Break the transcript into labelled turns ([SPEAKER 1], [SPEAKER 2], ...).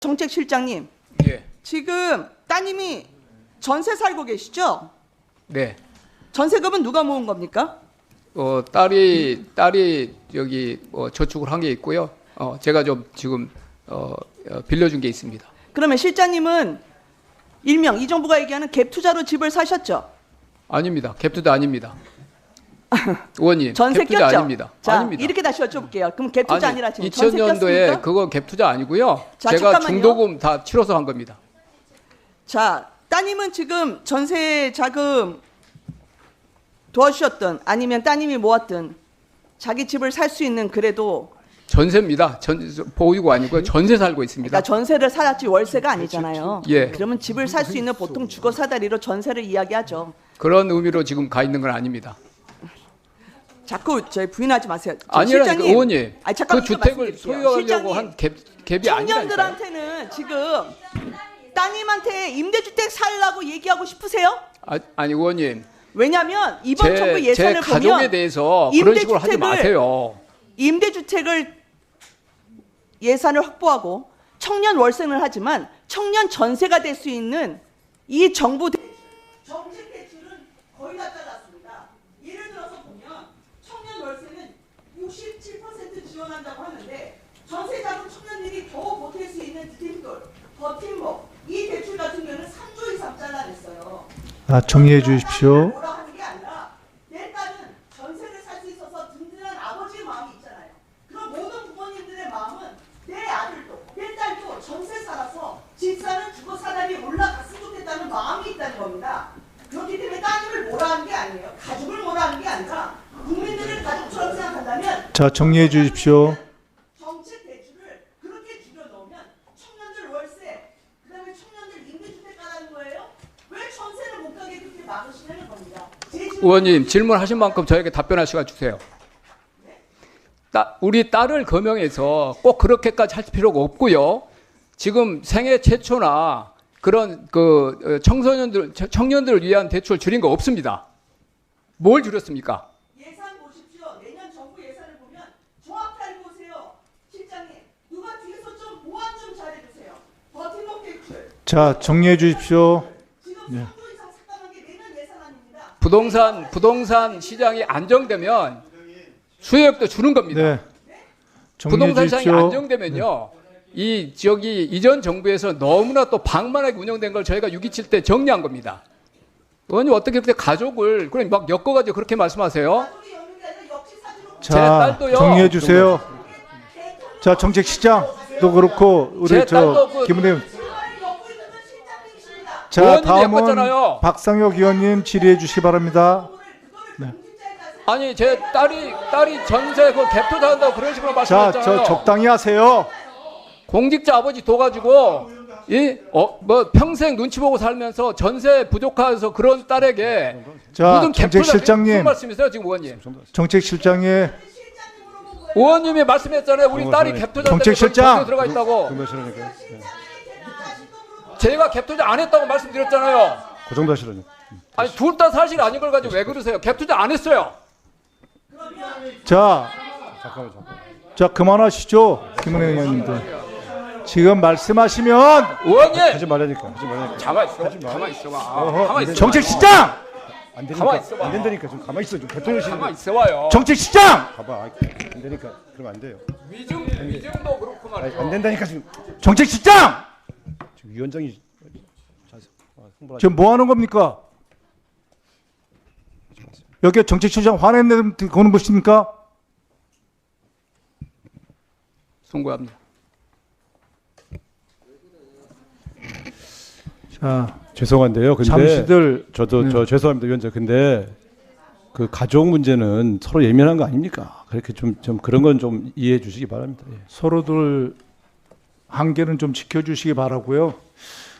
[SPEAKER 1] 정책실장님,
[SPEAKER 2] 예.
[SPEAKER 1] 지금 따님이 전세 살고 계시죠?
[SPEAKER 2] 네.
[SPEAKER 1] 전세금은 누가 모은 겁니까?
[SPEAKER 2] 딸이 여기 저축을 한 게 있고요. 제가 좀 지금 빌려준 게 있습니다.
[SPEAKER 1] 그러면 실장님은 일명 이 정부가 얘기하는 갭 투자로 집을 사셨죠?
[SPEAKER 2] 아닙니다. 갭투자 아닙니다. 의원님,
[SPEAKER 1] 전세
[SPEAKER 2] 갭투자
[SPEAKER 1] 꼈죠?
[SPEAKER 2] 아닙니다.
[SPEAKER 1] 자,
[SPEAKER 2] 아닙니다.
[SPEAKER 1] 이렇게 다시 여쭤볼게요. 그럼 갭 투자
[SPEAKER 2] 아니,
[SPEAKER 1] 아니라 지금 전세
[SPEAKER 2] 2000년도에
[SPEAKER 1] 꼈습니까?
[SPEAKER 2] 그거 갭투자 아니고요.
[SPEAKER 1] 자,
[SPEAKER 2] 제가
[SPEAKER 1] 잠깐만요.
[SPEAKER 2] 중도금 다 치러서 한 겁니다.
[SPEAKER 1] 자, 따님은 지금 전세 자금 도와주셨든 아니면 따님이 모았든 자기 집을 살 수 있는 그래도
[SPEAKER 2] 전세입니다. 보유고 아니고요. 전세 살고 있습니다.
[SPEAKER 1] 그러니까 전세를 살았지 월세가 아니잖아요.
[SPEAKER 2] 예.
[SPEAKER 1] 그러면 집을 살 수 있는 보통 주거 사다리로 전세를 이야기하죠.
[SPEAKER 2] 그런 의미로 지금 가 있는 건 아닙니다.
[SPEAKER 1] 자꾸 저희 부인하지 마세요.
[SPEAKER 2] 아니라니까
[SPEAKER 1] 실장님,
[SPEAKER 2] 의원님.
[SPEAKER 1] 아니, 잠깐만
[SPEAKER 2] 그 주택을
[SPEAKER 1] 말씀드릴게요.
[SPEAKER 2] 소유하려고
[SPEAKER 1] 실장님,
[SPEAKER 2] 한 갭이 아니라니까요.
[SPEAKER 1] 청년들한테는 지금 따님한테 임대주택 살라고 얘기하고 싶으세요?
[SPEAKER 2] 아니 의원님.
[SPEAKER 1] 왜냐하면 이번 정부
[SPEAKER 2] 제
[SPEAKER 1] 예산을
[SPEAKER 2] 가족에
[SPEAKER 1] 보면
[SPEAKER 2] 대해서 그런 식으로 하지 마세요.
[SPEAKER 1] 임대주택을 예산을 확보하고 청년 월세는 하지만 청년 전세가 될 수 있는 이 정부 정책 대출은 거의 다 잘랐습니다. 예를 들어서 보면 청년 월세는 67% 지원한다고 하는데 전세 자금 청년들이 겨우 버틸 수 있는 디딤돌, 버팀목 이 대출 같은 경우는 3조 이상 잘라냈어요.
[SPEAKER 3] 정리해 주십시오.
[SPEAKER 1] 뭐라 하는 게 아니라 내 딸은 전세를 살 수 있어서 든든한 아버지의 마음이 있잖아요. 그럼 모든 부모님들의 마음은 내 아들도 내 딸도 전세 살아서 집 사는 주거 사다리에 올라갔으면 좋겠다는 마음이 있다는 겁니다. 그렇기 때문에 따님을 뭐라 하는 게 아니에요. 가족을 뭐라 하는 게 아니라 국민들을 가족처럼 생각한다면
[SPEAKER 3] 자, 정리해 주십시오.
[SPEAKER 1] 정책 대출을 그렇게 줄여놓으면 청년들 월세, 그다음에 청년들 임대주택 가라는 거예요? 왜 전세를 못 가게 그렇게 막으시냐는 겁니다.
[SPEAKER 2] 의원님 질문하신 만큼 저에게 답변할 시간 주세요. 우리 딸을 거명해서 꼭 그렇게까지 할 필요가 없고요. 지금 생애 최초나 그런 청년들을 위한 대출 줄인 거 없습니다. 뭘 줄였습니까?
[SPEAKER 1] 예산 보십시오. 내년 정부 예산을 보면 정확히 알고 오세요. 실장님, 누가 뒤에서 좀 보완 좀 잘해주세요. 버팀목 대출.
[SPEAKER 3] 자, 정리해 주십시오.
[SPEAKER 1] 지금
[SPEAKER 3] 네.
[SPEAKER 1] 3조 이상 삭감한 게 내년 예산 아닙니다.
[SPEAKER 2] 부동산 시장이 안정되면 수요액도 주는 겁니다.
[SPEAKER 3] 네. 정리해
[SPEAKER 2] 부동산 시장이
[SPEAKER 3] 주십시오.
[SPEAKER 2] 안정되면요. 이 지역이 이전 정부에서 너무나 또 방만하게 운영된 걸 저희가 6.27 때 정리한 겁니다. 의원님 어떻게 그때 가족을 그럼 막 엮어가지고 그렇게 말씀하세요?
[SPEAKER 1] 가족이 없는 게 아니라 역시 사주로
[SPEAKER 2] 제
[SPEAKER 3] 자,
[SPEAKER 2] 딸도요.
[SPEAKER 3] 정리해 주세요. 자, 정책시장도 그렇고 우리
[SPEAKER 2] 제 딸도
[SPEAKER 3] 김은혜
[SPEAKER 1] 엮고 있는 건 실장님이십니다.
[SPEAKER 3] 자,
[SPEAKER 2] 의원님이
[SPEAKER 3] 다음은
[SPEAKER 2] 엮었잖아요.
[SPEAKER 3] 박상혁 의원님 질의해 주시기 바랍니다.
[SPEAKER 2] 아니 제 딸이 전세 그 갭 투자한다고 그런 식으로
[SPEAKER 3] 자,
[SPEAKER 2] 말씀하셨잖아요.
[SPEAKER 3] 저 적당히 하세요.
[SPEAKER 2] 공직자 아버지 둬가지고 뭐 평생 눈치 보고 살면서 전세 부족해서 그런 딸에게
[SPEAKER 3] 자,
[SPEAKER 2] 무슨 갭 투자 무슨
[SPEAKER 3] 정책실장님,
[SPEAKER 2] 말씀이세요 지금 의원님?
[SPEAKER 3] 정책실장의
[SPEAKER 2] 의원님이 말씀했잖아요. 우리 딸이 갭 투자
[SPEAKER 3] 정책실장!
[SPEAKER 2] 들어가 있다고.
[SPEAKER 4] 그 정도 하시라니까요.
[SPEAKER 2] 제가 갭 투자 안 했다고 말씀드렸잖아요.
[SPEAKER 4] 그 정도 하시라니까.
[SPEAKER 2] 아니 둘 다 사실 아닌 걸 가지고 왜 그러세요? 갭 투자 안 했어요.
[SPEAKER 3] 자,
[SPEAKER 4] 잠깐만.
[SPEAKER 3] 자 그만하시죠, 김은혜 의원님들. 지금 말씀하시면
[SPEAKER 2] 의원님
[SPEAKER 4] 하지 말라니까. 하지 말라니까.
[SPEAKER 2] 가만 있어. 가만 있어봐.
[SPEAKER 4] 어허,
[SPEAKER 2] 가만 있어.
[SPEAKER 3] 정책시장,
[SPEAKER 4] 안
[SPEAKER 2] 가만히
[SPEAKER 4] 되니까.
[SPEAKER 2] 있어봐.
[SPEAKER 4] 안 된다니까. 좀 가만히 있어. 좀 대통령실.
[SPEAKER 2] 가만 있어봐요.
[SPEAKER 3] 정책시장,
[SPEAKER 4] 봐봐. 안 되니까. 그러면 안 돼요.
[SPEAKER 2] 위증도 그렇고 말이죠.
[SPEAKER 4] 안 된다니까 지금.
[SPEAKER 3] 정책시장.
[SPEAKER 4] 지금 위원장이 홍보하지.
[SPEAKER 3] 지금 뭐 하는 겁니까? 여기 정책실장 화냈는 거는 무엇입니까?
[SPEAKER 2] 송구합니다.
[SPEAKER 3] 자,
[SPEAKER 4] 죄송한데요. 근데
[SPEAKER 3] 잠시들
[SPEAKER 4] 저도
[SPEAKER 3] 네.
[SPEAKER 4] 저 죄송합니다, 위원장. 근데 그 가족 문제는 서로 예민한 거 아닙니까? 그렇게 좀 그런 건 좀 이해해 주시기 바랍니다. 예.
[SPEAKER 3] 서로들 한계는 좀 지켜주시기 바라고요.